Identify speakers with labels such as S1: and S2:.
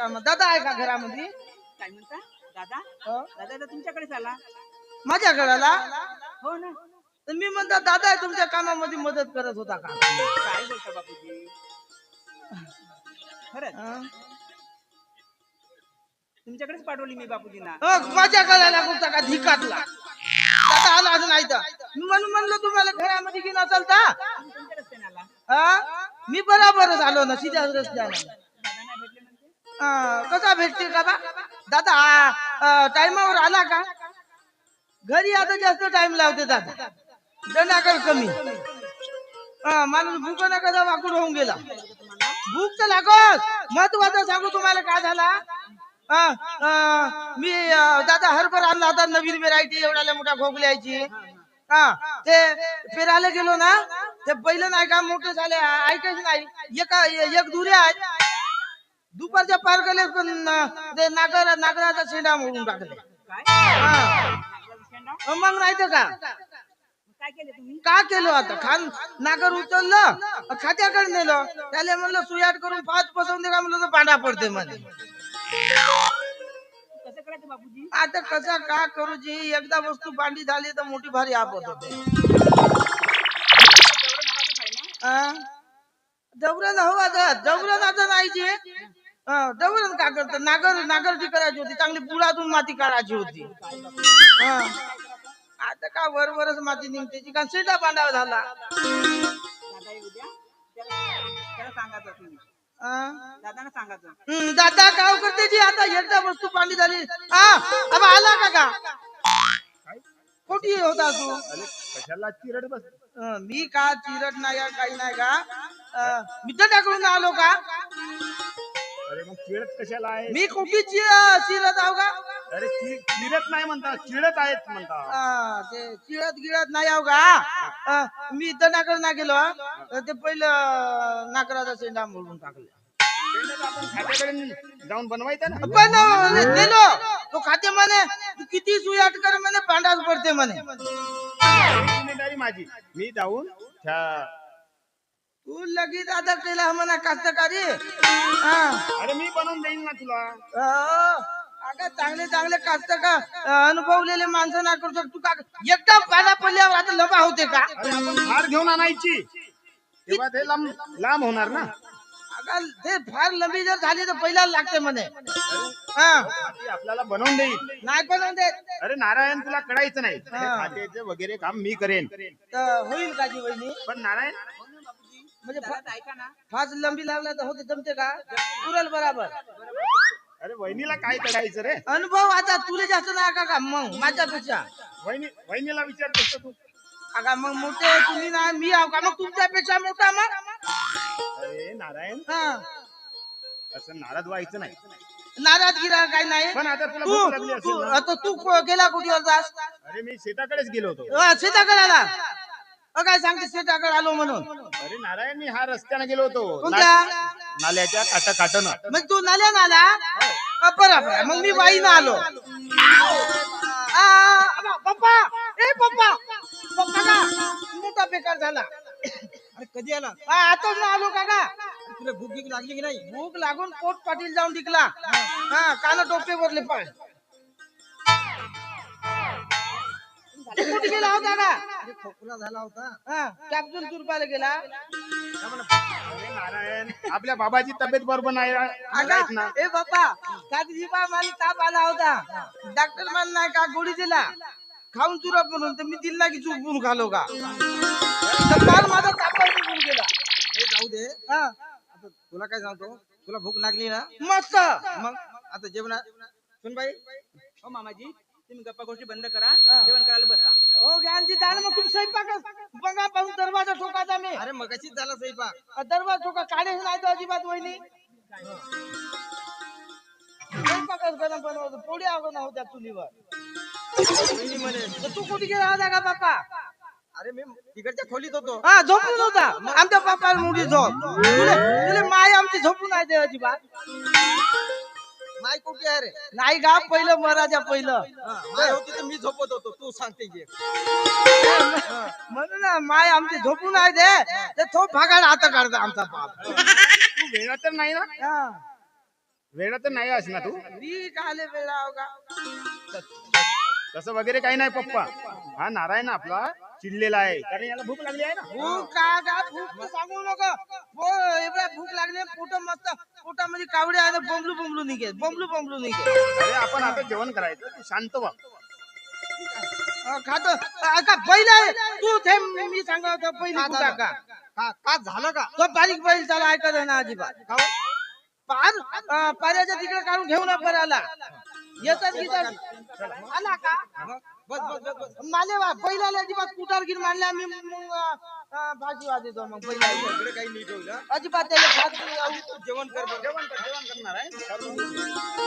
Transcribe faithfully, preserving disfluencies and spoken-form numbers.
S1: काम दादा आहे का घरामध्ये?
S2: काय म्हणता दादा?
S1: हो?
S2: दादा तर तुमच्याकडेच आला.
S1: माझ्या घराला
S2: हो ना.
S1: तर मी म्हणता दादा आहे तुमच्या कामामध्ये मदत करत होता का?
S2: काय बोलता बापूजी? खरंच
S1: हं?
S2: तुमच्याकडेच पाठवली मी बापूजींना.
S1: हो, माझ्या घराला कुठचा का धिकाटला दादा आला असं नाही तर मी म्हणून म्हणलं तुम्हाला घरामध्ये घेऊन असाल का?
S2: तुम्ही कोणत्या रस्त्याने आला?
S1: हा मी बराबरच आलो ना सीध्या रस्त्याने.
S2: दादा नाही भेटले म्हणजे?
S1: हा, कसा भेटते का बा दादा? टाइमावर आला का? घरी आता जास्त टाइम लावते दादा दनाकर कमी. हा माणूस भूक नका जा वाकूड होऊन गेला. भूक तर लागत. महत्वाचं सांगू तुम्हाला काय झाला? हा, अं, मी अं, दादा हरभरा आणला होता नवीन व्हेरायटी एवढ्या मोठ्या खोकल्याची. हा ते फिरायला गेलो ना ते बैल नाही का मोठे झाले ऐकायच नाही. एका एक दुरे आहेत दुपारच्या पार गेले पण ते नागर नागराचा शेंडा मोडून टाकले.
S2: काय?
S1: हा
S2: नागराचा शेंडा?
S1: अं, मग नाही तर का
S2: काय केले तुम्ही?
S1: का केलं आता खान नागर उचललं खात्याकडे नेलं त्याला म्हणलं सुयाट करून पाच पसवून दे का म्हणलं तर पांढरा पडते म्हणे.
S2: कसं करायचं बापूजी?
S1: आता कसा का करू जी एकदा वस्तू पांढरी झाली तर मोठी भारी आपत होते. जबरन हो आता जबरन आता नाही जी जबरन का करत नागर नागरची करायची होती चांगली बुडातून माती काढायची होती. हा आता का वरवरच माती निघते जी का शेंडा बांधावा झाला.
S2: दादा येऊ द्या. त्याला त्याला सांगायचं तुम्ही.
S1: हा?
S2: दादांना सांगायचं.
S1: हम्म, दादा काय करते जी आता एकदा वस्तू पाणी झाली. हा अब आला का का कोठी होता तू?
S3: कशाला चिरड बस.
S1: अं, मी का चिरट नाही या काही नाही का अं, मी तर टाकडून आलो का?
S3: अरे मग चिरत कशाला आहे?
S1: मी कुठे चिरत आहो का?
S3: अरे चि- चिरत नाही म्हणता चिडत आहेत म्हणता.
S1: हा, ते चिरत गिळत नाही आहो का? अं, मी इथं नाकर ना गेलो अं, ते पहिलं नाकराचा शेंडा मोडून टाकले.
S3: शेंड्यात आपण खात्याकडे जाऊन बनवायचं ना.
S1: पण अं, नेलो तो खाते म्हणे तू किती सुयाट कर म्हणे पांढराच पडते म्हणे.
S3: जिम्मेदारी माझी मी जाऊन त्या
S1: तू लगेच आता केला म्हणा कास्तकारी. हा
S3: अरे मी बनवून देईन ना तुला.
S1: अं, अगं चांगले चांगले कास्त का अनुभवलेले माणसं ना करू शकतो का? एकदा पाला पडल्यावर आता लबा होते का?
S3: अरे आपण हार घेऊन आणायची तेव्हा ते लांब लांब होणार ना.
S1: अगं ते फार लंबी जर झाली तर पहिला लागते म्हणे. हा
S3: ती आपल्याला बनवून देईल.
S1: नाही बनवून देत
S3: अरे नारायण तुला कळायचं नाही हे खात्याचे वगैरे काम मी करेन.
S1: तर होईल का जी वहिनी?
S3: पण नारायण
S1: म्हणजे फा-
S2: दादा ऐका ना.
S1: फास लंबी लागला तर होते जमते का? पुरल बराबर.
S3: अरे वहिनीला काय करायचं रे?
S1: अनुभव आता तुला जास्त नाही का का मग माझ्यापेक्षा?
S3: वहिनी वहिनीला विचारतोस तू.
S1: अगा मग मोठे तुम्ही नाही मी आहो का मग तुमच्यापेक्षा मोठा मग?
S3: अरे नारायण
S1: हा
S3: असं नाराज व्हायचं नाही.
S1: नाराज गिरा काय नाही.
S3: पण आता तुला
S1: तू
S3: भूक लागली असेल
S1: तू
S3: ना.
S1: आता तू को- गेला कुठे जास?
S3: अरे मी शेताकडेच गेलो होतो.
S1: अं, शेताकडे आला अं, काय सांगते शेताकडे आलो म्हणून?
S3: अरे नारायण मी हा रस्त्याने गेलो होतो
S1: कोणत्या?
S3: ना- नाल्याच्या काटा काटन.
S1: मग तू नाल्या नाला अं, बरोबर मग मी वाईनं आलो. आ, अबा, पप्पा ए पप्पा पप्पा का मोठा बेकार झाला.
S2: अरे कधी आला?
S1: हा, आताच ना आलो काका.
S2: तुला भूक भीक लागली की नाही?
S1: भूक लागून पोट पाटील जाऊन टिकला. हा कान टोपे वरले पाय. तू कुठे गेला होता का?
S2: अरे खोकला झाला होता.
S1: हा कॅप्सूल तुरपायला गेला.
S3: अरे नारायण आपल्या बाबाची तब्येत बरोबर नाही
S1: अगा
S3: नाहीत ना.
S1: ए बाप्पा काल बा मला ताप आला होता. डॉक्टर मला नाही का गोळी दिला खाऊन चुरप म्हणून तर मी दिला की चुपून खालो का तर काल माझा ताप निघून गेला.
S2: हे जाऊ दे.
S1: हा
S2: आता तुला काय सांगतो, तुला भूक लागली ना
S1: मस्त.
S2: मग आता जेवणा सुन बाई. हो मामाजी तुम्ही गप्पा गोष्टी बंद करा. जेवण करायला बसा.
S1: हो ज्ञानजी जा ना मग तुम्ही स्वयंपाक बघा पाहून दरवाजा ठोकाचा मी.
S2: अरे मगाशीच झाला स्वयंपाक.
S1: दरवाजा ठोका काढे नाही तर अजिबात वहिनी स्वयंपाकच गरम बनवतो पोळी अगोदर होत्या चुलीवर.
S2: वहिनी म्हणे
S1: तर तू कुठे गेला होता का बाप्पा?
S2: अरे मी तिकडच्या खोलीत होतो.
S1: हा झोपून होता आमच्या बाप्पाला मोठी झोप. तुले तुले माय आमची झोपून नाही दे अजिबात.
S2: माय कुठे आहे रे?
S1: नाही का पहिलं महाराजा पहिलं
S2: हा, माय होती तर मी झोपत होतो. तू सांगते की
S1: म्हणून ना माय आमची झोपून नाही दे ते थोप भागायला हात काढता आमचा बाप.
S3: तू वेळा तर नाही ना.
S1: हा
S3: वेळा तर नाही आहेस ना तू
S1: मी काले वेळा हो का
S3: तसं वगैरे काही नाही पप्पा. हा नारायण आपला चिडलेला आहे कारण याला भूक लागली आहे ना.
S1: भूक का का भूक तर सांगू नको. हो एवढ्या भूक लागले पोट मस्त पोटामध्ये कावडे आहे बोंबलू बोंबलू निघे बोंबलू बोंबलू निघे.
S3: अरे आपण आता जेवण करायचं तू शांत व्हा.
S1: अं, खातो अं, का बैल आहे तू थे मी सांगत होतो पहिली कुठा का
S2: का का झालं का
S1: तो बारीक बैल त्याला ऐकत आहे ना अजिबात पार अं, पाऱ्याच्या तिकडे काढून घेऊन आला येतात गितात आला का
S2: बस बस बस बस
S1: माले वा बैलाला अजिबात कुठार गिर मारले आम्ही मग अं, भाजी वाजतो मग बैलाला
S2: इकडे काही नीट होईल हा.
S1: अजिबात त्याला भात नाही लावू.
S2: जेवण कर बरं.
S3: जेवण कर जेवण करणार आहे.